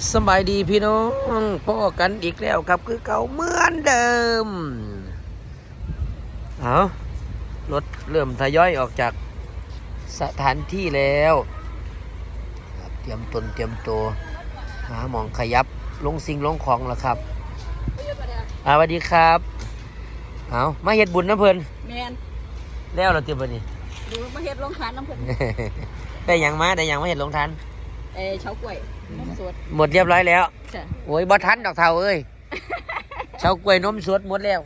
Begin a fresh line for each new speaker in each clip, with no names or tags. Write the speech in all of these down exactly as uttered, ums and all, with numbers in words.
สบายดีพี่น้องพ่อกันอีกแล้วครับคือเก่าเหมือนเดิมเอารถเริ่มทยอยออกจากสถานที่แล้วเตรียมตนเตรียมตัวหาหมองขยับลงสิ่งลงของแล้วครับสวัสดีครับเอามาเฮ็ดบุญน้ำเพลิน
แมน
แล้วเราเตรียมไปนี่
ดูมาเฮ็ดลงทานน้ำเพลิน
ได้ยังมาได้ยังมาเฮ็ดลงทาน
เอเฉากล้วยนมสด
หมดเรียบร้อยแล้ว
ใช่
โอ้ยบ่ทันดอกเท่าเอ้ยเฉากล้วยนมสดหมดแล้ว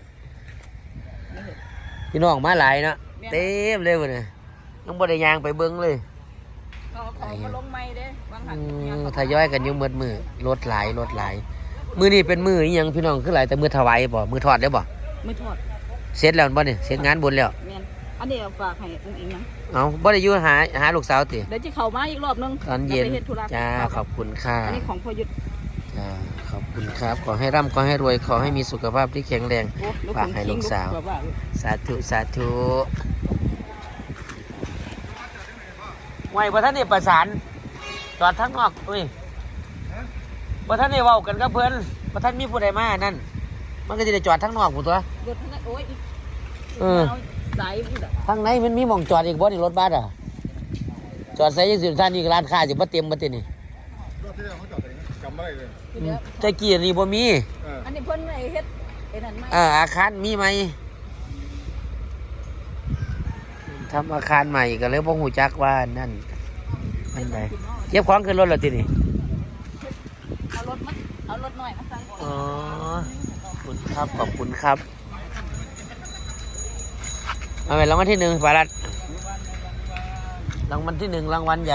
พี่น้องมาหลายเนาะเต็มเลยวันนี้ยังบ่ได้ยางไปเบิ้งเลย
เขาของมาลงไม้เด้บางหัน
ทยอยกันอยู่มืดมือรถหลายรถหลายมือนี่เป็นมืออีหยังพี่น้องคือหลายแต่มือถวายบ่มือทอดได้บ่
ไม่ทอด
เสร็จแล้วบ่นี่เสร็จงานบุญแล้ว
แม่นอันนี้ฝากให้อุ้งอิงนะ
เอาบ่ได้อยู่หาหาลูกสาวติ
เดี๋ยวจะเข้ามาอีกรอบนึง
ตอนเย็นจ้าขอบคุณค่ะ
อันนี้ของพ่อยุทธ
จ้าขอบคุณครับขอให้ร่ำขอให้รวยขอให้มีสุขภาพที่แข็งแรงฝากให้ลูกสาวสาธุสาธุไว้บ่ท่านนี่ประสานจอดทั้งนอกอุ้ยบ่ท่านนี่เว้ากันกับเพิ่นบ่ท่านมีผู้ใดมานั่นมันก็จะได้จอดทั้งนอกพุ่นตัว
รถโอ้ย
เออ
สายพุ่น
ทางไหนมันมีหม่องจอดอีกบ่นี่รถบัสอ่ะจอดใส่จังซี่ท่านนี่ร้านค้าสิบ่เต็มบ่ตินี่
รอบที่แล้วเขาจอดอะไรจำไม่ได้เลย
แต่กี้นี่บ่มี
อันนี้เพิ่นไอ้เฮ็ดไอ้นั่นมั้ย
เอออาคารมีไหมทำอาคารใหม่ก็เลยบ่ฮู้จักว่านั่นมันไดเก็บของขึ้นรถแล้วตินี่
เอารถมาเอารถหน่อยมาใส่
อ๋อขอบคุณครับขอบคุณครับเอาไปรางวัลที่หนึ่งปารัดรางวัลที่หนึ่งรางวัลใหญ่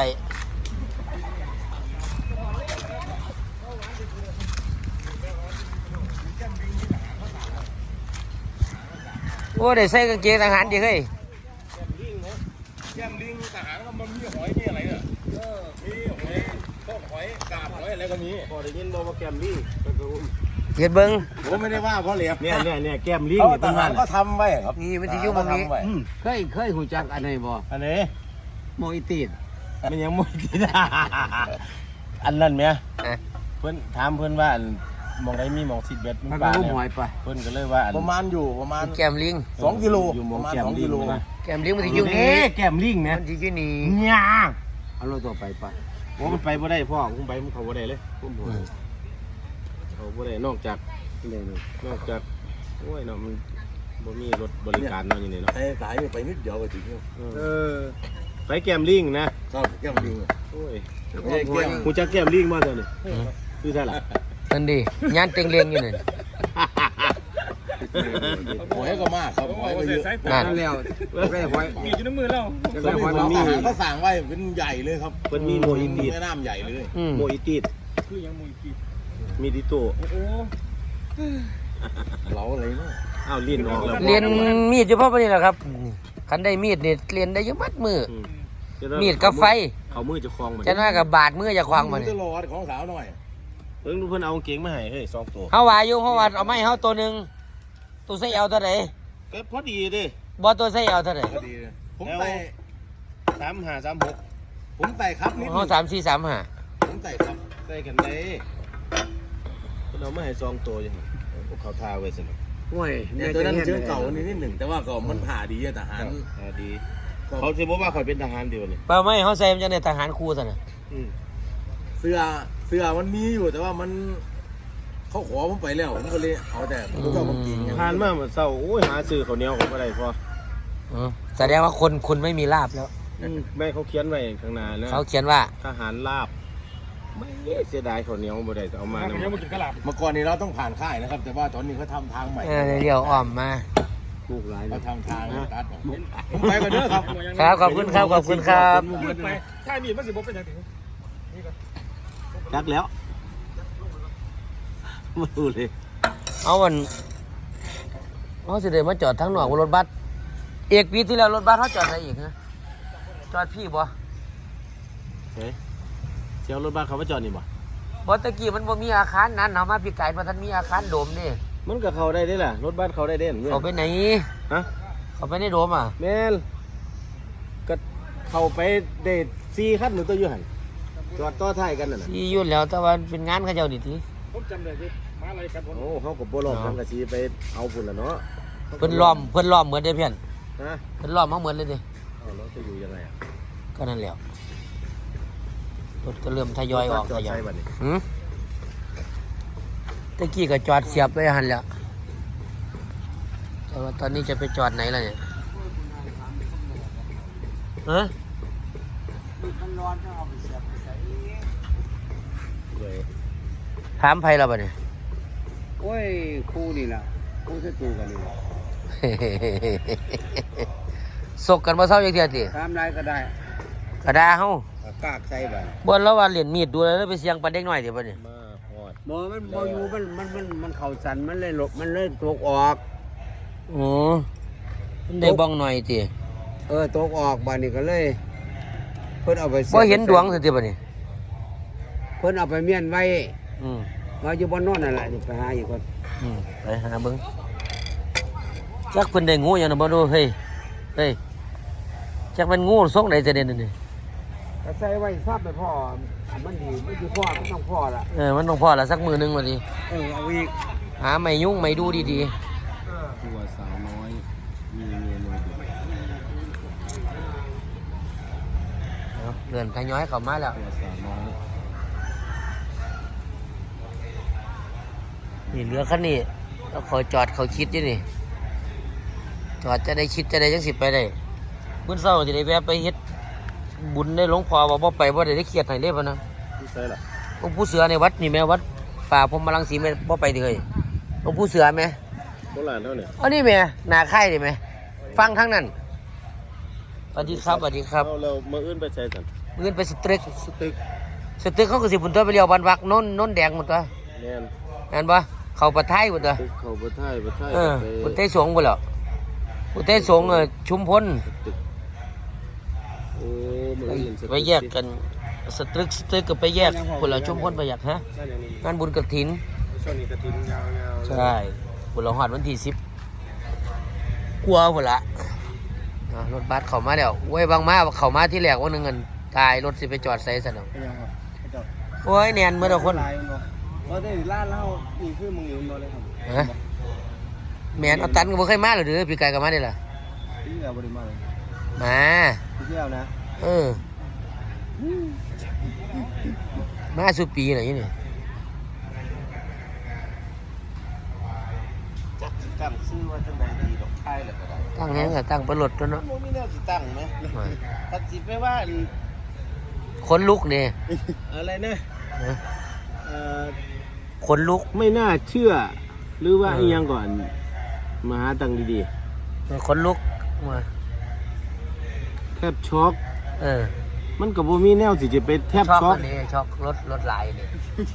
โอ้ได้ใส่กางเกงทหารดิเฮ้ย
แก้มลิงทหารก็มันมีหอยมีอะไรเนี่ยมีหอยพวกหอยกาบหอยอะไรก็มีพอได้ยินบอกว่าแก้มลิง
เห็ดเบิ้ง
ผมไม่ได้ว่าเพราะเหลียบ
เนี่ยเนี่ยเนี่ยแก้มลิง
เนี่ยทหารก็ทำไว้ครับ
นี่มันจะยุ่งมันนี้เคยเคยหูจักอันไหนบ่
อันนี้
โมอิติด
มันยังโมอิติดอันนั้นไหมเพื่อนถามเพื่อนว่ามองได้มีมองสิบเบ็ด
มันปลาเนี่ย
เพื่อนก็เลยว่า
ประมาณอยู่ประมาณ
แก้มลิง
สองกิโล
อยู่มอง
ประมาณ
สอง
กิโล
แก้มลิงมันจะยุ่งนี้
แก้มลิงเนี่ย
มันจะยุ่งนี้
เนี่ย
เอาเราต่อไปไป
โอ้มันไปบ่ได้พ่อผมไปมันเขาบ่ได้เลยผมบ่เขาบ่ได้นอกจากนอกจากโอ้ยเนาะมันบ่มีรถบริการเนาะอย่างนี้เนาะ
แต่สายไปนิดเดียวก็ถึง
เออไปแก้มลิงนะครับ
แก้มลิง
โอ้ยกูจะแก้มลิงมาเถอะนี่คือใช่หรอ
นั่นดิย่านเต็งเลียงอยู่นี่
หอยก็มากครับหอยก็เยอะ
นั่นแล้วได้หอย
มีอยู่ในมือเรามันมีเขาสั่งไว้เป็นใหญ่เลยครับ
มันมีโมอิติด
แม่น้ำใหญ่เลย
โมอิติด
คือยังโมอิติด
มีดิโต้
โอ้เราอะไรเนาะ
อ้าวเรียนออกแล้ว
เรียนมีดเฉพาะปนี่แหละครับคันได้มีดนี่เรียนได้เยอะมัดมือมีดกับไฟ
เขามือจะคลอง
มันจะน่ากับบาดมือจะคลองมัน
จะรอของสาวหน่อย
เพิ่งเพิ่นเอาเก่งมาให้เฮ้ยสองตัว
เขาว่าอยู่เขาว่าเอาไม้เขาตัวหนึ่งตัวใส่เอาเท่าไหร่
ก็พอดีดิ
บอตัวใส่เอาเท่าไหร่
พอดีผมใส่
สามห้าสามหก
ผมใส่ครับนี่
เขาสามสี่สามห้า
ผมใส่ครับ
ใส่กันได้เพิ่นเอามาให้สองตัวอย่างพวกเขาทาไว้สิ
โอ้ย
เนี่ยตัวนั้นเจอเก่านิดหนึ่งแต่ว่าก็มันผ่าดีทหาร
ผ่าดีเขาจะบอกว่าเขาเป็นทหารเดียวเลย
เปล่าไม่เขาใส่มันจะในทหารครูสินะ
เสื้อเสื้อมันมีอยู่แต่ว่ามันเขาขอผมไปแล้วผมก็เลยเอาแต่ผมก็มากิน
ทานมากเหมือนเศร้าโอ้ยหาซื้อข้าวเหนียวของอะไรพอ
แสดงว่าคนคุณไม่มีลาบแล้ว
แม่เขาเขียนไว้ข้างหน้านะ
เขาเขียนว่า
ทหารลาบไม่เสียดายข้าวเหนียวบ่ได้เอามาเ
มื่อก่อนนี้เราต้องผ่านค่ายนะครับแต่ว่าตอนนี้เขาทำทางใหม่
เดี๋ยวอ้อมมา
ลูกหลาย
เขาทำทางตัดผมไปกันเด้อครับ
ครับขอบคุณครับขอบคุณครับ
ค่ายมีมันสิบ่เป็นอย่างไร
จักแล้วไม่รู้เลย
เอาวันเขาสิเดินมาจอดทั้งหนอกรถบัสเอกปีที่แล้วรถบัสเขาจอดอะไรอีกนะจอดพี่บ่
เฮ้ยเชียวรถบัสเขามาจอดนี่บ่
บ่ตะกี้มันบ่มีอาคารนั้นเอามาพี่ไก่มาท่านมีอาคารโดมนี่
มันก็เข้าได้ได้ล่ะรถบัสเข้าได้เด่น
เขาไปไหน
ฮะ
เขาไปในโดมอ่ะ
แม่นก็เข้าไปเดทซีขั้นหนึ่งตัวอยู่หันจอดต่อท้ายกันน่ะนะ
ที่ยุ่นแล้วแต่ว่าเป็นงานเขาเจ้าดิที
ผมจำได้ที่มาอะไรกัน
โอ้เขาก็บ่รอมกันก็สิไปเอาพุ่นล่ะเนาะ
เพิ่นล้อมเพิ่นล้อมเหมือนเด้เพื่อน
ฮะ
เพิ่นล้อมมาเหมือนเลยเดิ
เอาแล้วจะอยู่ยังไงอ่ะ
ก็นั่นแหละรถก็เริ่มทยอยออก
จอ
ท
ด
ยอ
ใช้
ย
บัดนี้
หืมตะกี้ก็จอดเสียบไว้หันแล้วแต่ว่าตอนนี้จะไปจอดไหนล่ะเนี่ยฮะ
เลย
ถามไผแล้วบ่เนี่ย
โอ้ยครูนี่ล่ะครูศัตรูกันนี่ล่ะ
สกกันมาเศร้าอย่างเดียวติ
ตามไรก็ได้
กระดาเฮา
เอากากใส่บัด
บ่นแล้วว่าเหรียญมีดดูแล้วไปเสียงปันเด็กน้อยเดี๋ยวบ่เนี่ย
มาฮอด
บ่มันบ่อยู่มันมันมันมันเข่าสันมันเลยหลบมันเลยตกออก
โอ้มันได้บ้องหน่อยติ
เออตกออกบาดนี้ก็เลย เพิ่นเอาไป
บ่เห็นดวงสิติบ่เนี่ย
เพิ่นเอาไปเมียนไว้
อืม
ว่าอยู่บนโนอนนั่นแหละนี่ไปหาอีกคน
อืมไปหาเบิ่งจักเพิ่นได้งูหยังน่ะบ่รู้เฮ้ยเฮ้ยจักเป็นงูทรงไหนจะเด่นนี่
ก็ใส่ไว้ทราบไปพ่อมันดีไม่อยู่พ่อมันต้องพ่อละ
เออมันต้องพอละสักมือหนึงว่าดิ
เออเอาอีก
หาไม่ยุ่งไม่ดูดี
ตัวสาวน้อยมีเมียน้อยอยู่
ๆเอาเดินทยอยเข้ามาแล้ว
ตัวสาวน้อย
นี่เหลือคันนี้แล้วขอจอดเขาคิดอยู่นี่จอดจะได้คิดจะได้จังสิไปได้มื้อเช้าสิได้แวะไปเฮ็ดบุญได้หลวงพ่อว่าบ่ไปบ่ได้ได้เครียดให้เลยพะนะ
ที่ใส่ล่ะ
หลวงปู่เสือในวัดนี่แม่วัดป่าพรหมรังสีแม่บ่ไปติเฮ้ยหลวงปู่เสือแม่
โบราณเท่าเนี่ย
อันนี้แม่หน้าค่ายนี่แม่ฟังทั้งนั้นสวัสดีครับสวัสดีครับ
เอาเรามาอื่นไปใส่สัน
มื้อไปสตริก
สตึก
สตึกเขาก็สิบุญตัวไปเลี้ยวบ้านวักโน้นโน้นแดงหมดตัว
แน่น
เห็นปะเขาประท้ายหมดตัว
ตึกเขาบ่ท้ายบ่ท้าย
เออ
ไป
บุญเตสงหมดแล้วบุญเตสงเออชุมพล
ตึกโอ้มือ
ไป
อื่นสตึก
ไปแยกกันสตรึกสตรึกก็ไปแยกคนละชุมพลไปแยกฮะ
นั่นอย่างนี้
งานบุญกฐิน
ช่วงนี้กระถิ่นยาวๆ
ใช่บุญละหอดวันที่สิบกลัวหมดละอ่ะรถบัสเข้ามาแล้วเว้ยบางมาเข้ามาที่แรกวันหนึงเงินตายรถสิไปจอดใส่ซะเนาะ
เป็นยังครับเจ้า
โอ้ยแนนเมื่อทุกคน
ลายมันบ่ว่าได้ร้านเหล้านี่คือมึงอยู่บ่เลยครับ
ฮะแมนเอาตันก็บ่เคยมาหรอเด้อพี่ไก่ก็มาได้ล่ะ
ที่แล้วบ่ได้มาเลย
มา
ที่เที่ยวนะ
เออ มาสุปีไหนนี่
จักสิตั้งชื่อว่าจังไดดีดอกไทยแล้วก็ได้
ตั้งแหงก็ตั้งประหลดตัวเนาะ
บ่มีแนวสิตั้งไหมตัดสิไปว่าอัน
คนลุกเนี่ย
อะไรนะเอ่อ
คนลุก
ไม่น่าเชื่อ หรือว่า
เออ
อีหยังก่อนมาหาตังค์ดี
คนลุกมา
ๆแทบช็อก
เออ
มันก็บ่มีแนวสิจะไปแทบ
ช็อก
ช็อก
อันนี้ช็อกรถรถลายเนี่ย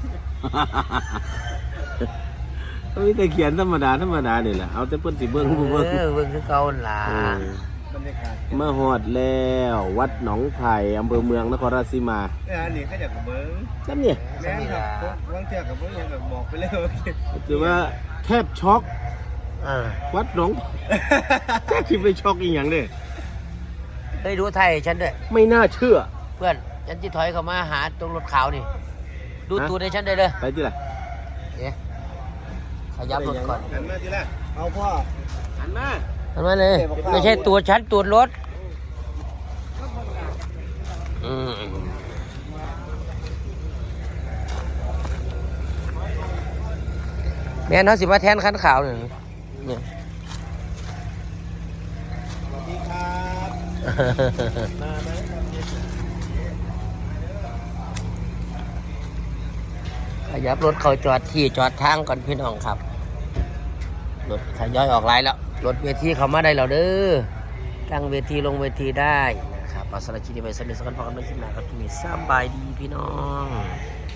ก็มีแต่เขียนธรรมดาธรรมดานี่แหละเอาแต่เพิ่นสิเบิ่งบ่เบิ่ง
เออเบิ่งคือเก่าหั่นล่ะ
เออบ
รรยากาศ
มาฮอดแล้ววัดหนองไผ่อำเภอเมืองนครราชสีมา
เอออันนี้ก็อยากกับเบิ้ง
จังเนี่ย
แม่นครับบางเที่ยวกับเบิ้งยังแบบบอกไปเลยว่า
ถือว่าแทบช็อก
เออ
วัดหนองแทบสิไปช็อกอีหยังเด้
เฮ้ยดูไทยฉันด้วย
ไม่น่าเชื่อ
เพื่อนฉันที่ถอยเข้ามาหาตรงรถขาวนี่ ดู
ฮะ
ตัวในฉันได้เลย
ไปที่ล่ะ
เอ๊ะขยับรถก่อน
หันมาทีละเอาพ่อ
หันมา
ทำไมเลยไม่ใช่ตัวฉันตัวรถอืมแม่นเขาสิมาแทนคันขาวเนี่ยเนี่ย
สวัสดีครับ มาไหม
ขยับรถเขาจอดที่จอดทางก่อนพี่น้องครับ รถทยอยออกไลน์แล้ว รถเวทีเขามาได้แล้วเด้อตั้งเวทีลงเวทีได้นะครับเอาสารบคลิปนี้ไปสำเร็จสักกันพอกันไม่คิดหนาครับที่นี่สบายดีพี่น้อง